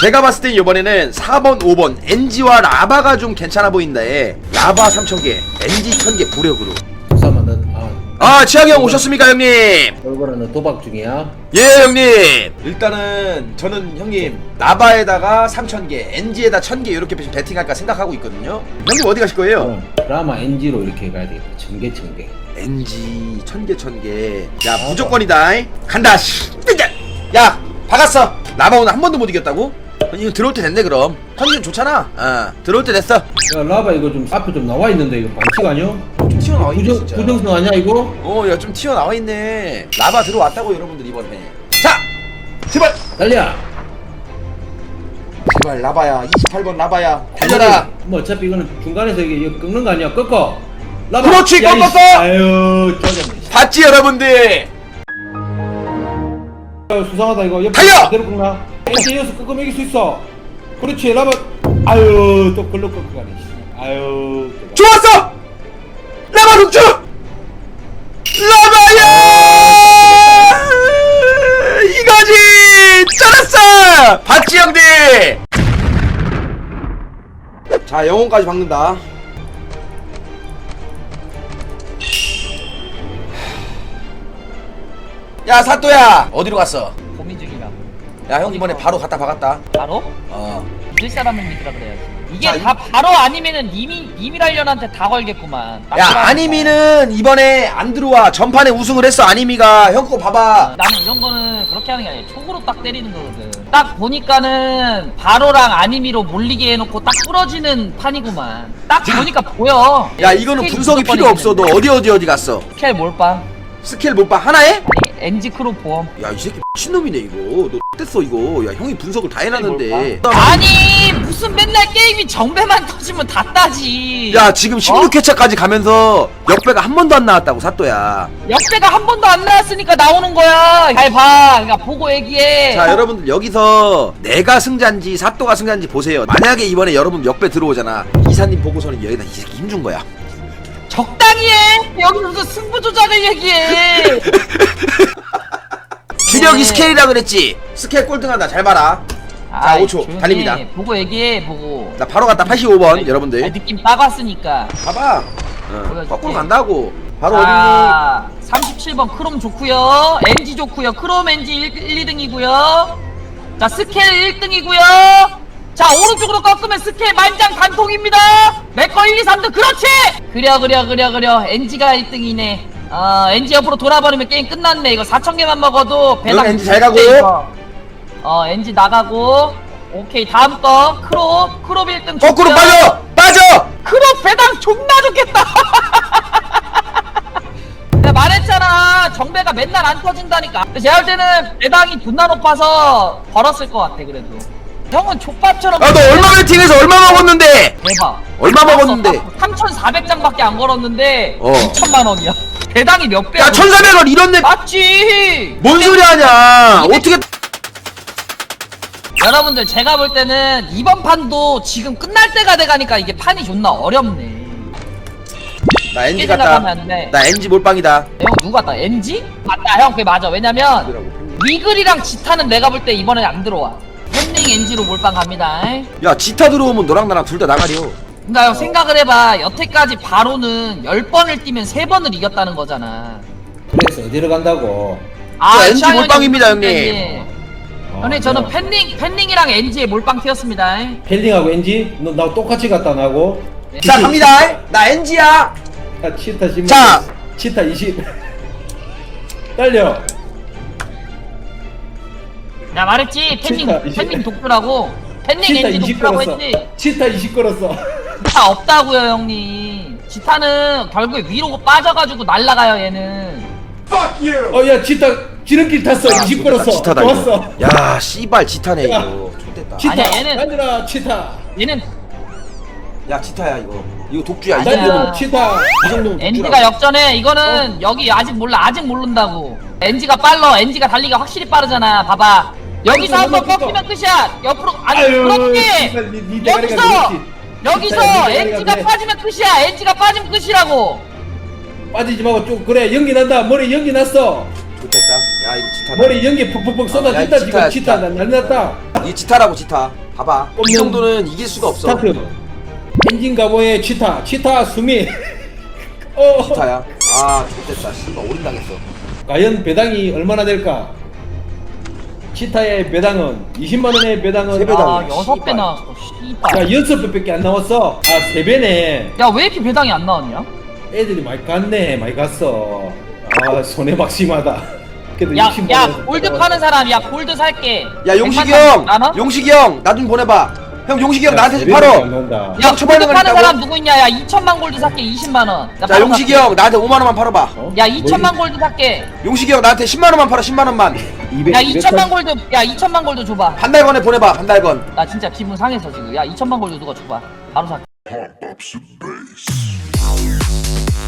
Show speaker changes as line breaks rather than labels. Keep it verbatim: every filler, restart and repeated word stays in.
제가 봤을 땐 이번에는 사 번, 오 번 엔지와 라바가 좀 괜찮아 보인다에 라바 삼천 개, 엔지 천 개 부력으로.
부사만은 아,
아 치학이 형 오셨습니까 형님?
얼굴은 도박 중이야.
예 형님. 일단은 저는 형님 라바에다가 삼천 개, 엔지에다 천 개 이렇게 배팅할까 생각하고 있거든요. 형님 어디 가실 거예요?
어, 드라마 엔지로 이렇게 가야 되겠다. 천개 천개.
엔지 천 개 천 개. 야 무조건이다. 간다. 야 박았어. 라바 오늘 한 번도 못 이겼다고? 이거 들어올 때 됐네 그럼. 컨디션 좋잖아. 어 들어올 때 됐어.
야 라바 이거 좀 앞에 좀 나와 있는데 이거 반칙 아니야?
좀 튀어나와 있네
부정
진짜.
부정성 아니야 이거?
어야 좀 튀어나와 있네. 라바 들어왔다고 여러분들 이번 회. 자 제발
달려.
제발 라바야. 이십팔 번 라바야. 달려라.
뭐 어차피 이거는 중간에서 이게 이거 꺾는 거 아니야? 꺾어. 라바.
그렇지,
야,
꺾었어!
이씨. 아유 쪼졌네.
봤지 여러분들.
아유, 수상하다 이거. 옆에
달려!
그대로 꺾나? 엔지 이어서 꺾으면 이길 수 있어. 그렇지 라바. 아유 또 걸로 꺾고 가네. 씨. 아유. 또.
좋았어. 라바 독주. 라바야. 이거지. 잘했어. 봤지 형들. 자 영혼까지 박는다. 야 사또야 어디로 갔어?
고민 중이라고.
야 형 이번에 바로 갔다 박았다.
바로?
어.
믿을 사람을 믿으라 그래야지. 이게
자,
다 바로 아니면은 님이 님이랄련한테 다 걸겠구만.
야 아니미는 이번에 안 들어와. 전판에 우승을 했어. 아니미가 형 거 봐봐.
나는 이런 거는 그렇게 하는 게 아니야. 촉으로 딱 때리는 거거든. 딱 보니까는 바로랑 아니미로 몰리게 해놓고 딱 부러지는 판이구만. 딱 보니까 보여.
야 이거는
스케일이
분석이
무조건
필요 없어. 너
이기는데.
어디 어디 어디 갔어?
스케일 몰빵.
스킬 못 봐. 하나에?
아니 엔지 크로 보험.
야 이 새끼 미친놈이네 이거. 너 됐어 이거. 야 형이 분석을 다 해놨는데.
아니 무슨 맨날 게임이 정배만 터지면 다 따지.
야 지금 십육 회차까지 가면서 역배가 한 번도 안 나왔다고 사또야.
역배가 한 번도 안 나왔으니까 나오는 거야. 잘 봐. 그러니까 보고 얘기해.
자 여러분들 여기서 내가 승자인지 사또가 승자인지 보세요. 만약에 이번에 여러분 역배 들어오잖아. 이사님 보고서는 여기다 이 새끼 힘준 거야.
적당히 해. 여기서 무슨 승부 조작을 얘기해.
주력이
네.
스케일이라 그랬지. 스케일 꼴등한다. 잘 봐라. 자
아이,
오 초
조용히
달립니다.
해. 보고 얘기해. 보고.
나 바로 갔다 팔십오 번
아니,
여러분들.
아니, 느낌 딱 왔으니까.
봐봐. 어,
보여줄게.
거꾸로 간다고. 바로 어디니?
자, 삼십칠 번 크롬 좋구요. 엔지 좋구요. 크롬 엔지 일, 이 등이고요. 자, 스케일 일 등이고요. 자, 오른쪽으로 꺾으면 스케일 만장 단통입니다. 내거 일, 이, 삼 등. 그렇지! 그려, 그려, 그려, 그려. 엔지가 일 등이네. 어, 엔지 옆으로 돌아버리면 게임 끝났네. 이거 사천 개만 먹어도 배당.
엔지 잘 가고.
이거. 어, 엔지 나가고. 오케이, 다음 거. 크롭. 크롭 일 등.
거꾸로
좋고요.
빠져. 빠져.
크롭 배당 존나 좋겠다. 내가 말했잖아. 정배가 맨날 안 터진다니까. 근데 제가 볼 때는 배당이 존나 높아서 벌었을 것 같아. 그래도 형은 족밥처럼.
아 너 얼마 배팅해서 얼마 먹었는데?
대박.
얼마 먹었는데?
삼천사백 장밖에 안 걸었는데
어.
이천만 원이야. 배당이 몇 배야?
야 천사백 원 이런데
맞지.
뭔 소리 하냐?
이백-
어떻게?
여러분들 제가 볼 때는 이번 판도 지금 끝날 때가 돼가니까 이게 판이 존나 어렵네.
나 엔지
깨지나
갔다.
가면 안 돼.
나 엔지 몰빵이다.
형 누구 같다? 엔지? 맞다 형 그게 맞아. 왜냐면 리글이랑 지타는 내가 볼 때 이번에 안 들어와. 팬링 엔지로 몰빵 갑니다.
야 지타 들어오면 너랑 나랑 둘 다 나가려.
그니까 형 생각을 해봐. 여태까지 바로는 열 번을 뛰면 세 번을 이겼다는 거잖아.
그래서 어디로 간다고?
자, 엔지
취향이
몰빵입니다,
형님.
형님.
어,
형님 저는
야.
팬링 팬링이랑 엔지에 몰빵 튀었습니다.
펠링하고 엔지? 너 나 똑같이 갔다 나고?
자 갑니다. 나 엔지야.
아, 치타 십.
자.
치타 이십. 달려.
나 말했지 팬링
진짜, 이십.
팬링 독주라고. 팬링
치타
엔지
이십
독주라고
걸었어.
했지.
치타 이십 걸었어.
지타 없다고요 형님. 지타는 결국에 위로 빠져가지고 날라가요 얘는.
어, 야, 치타 지름길 탔어. 이십 걸었어.
지타다
좋았어.
이거. 야 씨발 지타네
야.
이거. 좋됐다.
치타.
아니야, 얘는-
앉으라, 치타.
얘는
야 지타야 이거. 이거 독주야. 이
아니야.
정도면
앉으라, 치타.
이 정도면
엔지가
독주라고.
역전해. 이거는 여기 아직 몰라. 아직 모른다고. 엔지가 빨라. 엔지가 달리기가 확실히 빠르잖아. 봐봐. 여기서
아이고,
한번
그거,
꺾이면 끝이야. 옆으로 아니
아유,
그렇지.
정말 니- 니 대가리가
여기서
그렇지.
여기서
진짜 니 대가리가
엔지가
그래.
빠지면 끝이야. 엔지가 빠지면 끝이라고.
빠지지 말고 쭉 그래 연기 난다. 머리 연기 났어.
좋됐다. 야 이거 지타 지타.
머리 연기 푹푹푹 쏟아진다
야,
지금
지타야,
치타
지타.
난리 났다.
이 지타라고 지타. 봐봐. 이
꼼꼼.
정도는 이길 수가 없어.
스타트. 엔진 가보의 치타 치타 수미. 어.
지타야. 아 좋됐다. 씨발 올인 당했어.
과연 배당이 얼마나 될까? 치타의 배당은 이십만 원의 배당은
세 배당.
아 여섯 배
씨발.
나왔어 씨발.
야 여섯 배밖에 안 나왔어. 아 세 배네.
야 왜 이렇게 배당이 안 나왔냐?
애들이 많이 갔네 많이 갔어. 아 손해박심하다. 그래도
야,
육십만
야,
원
골드 파는 사람, 야, 골드 살게.
야 용식이
백만
형.
원?
용식이 형 나 좀 보내봐. 형 용식이 형 나한테 좀
안
팔어.
나온다.
야,
형 초반에
골드 파는
가겠다고?
사람 누구 있냐? 야, 이천만 골드 살게, 이십만 원. 나
자
바로
용식이
살게.
형 나한테 오만 원만 팔아봐.
어?
야, 이천만 골드 살게.
용식이 형 나한테 십만 원만 팔아. 십만 원만.
이백,
야, 이천만 골드, 야, 이천만 골드 줘봐.
한 달 건에 보내봐. 한 달 건.
나 진짜 기분 상해서 지금. 야, 이천만 골드 누가 줘봐. 바로 살게.
Pop ups and bass.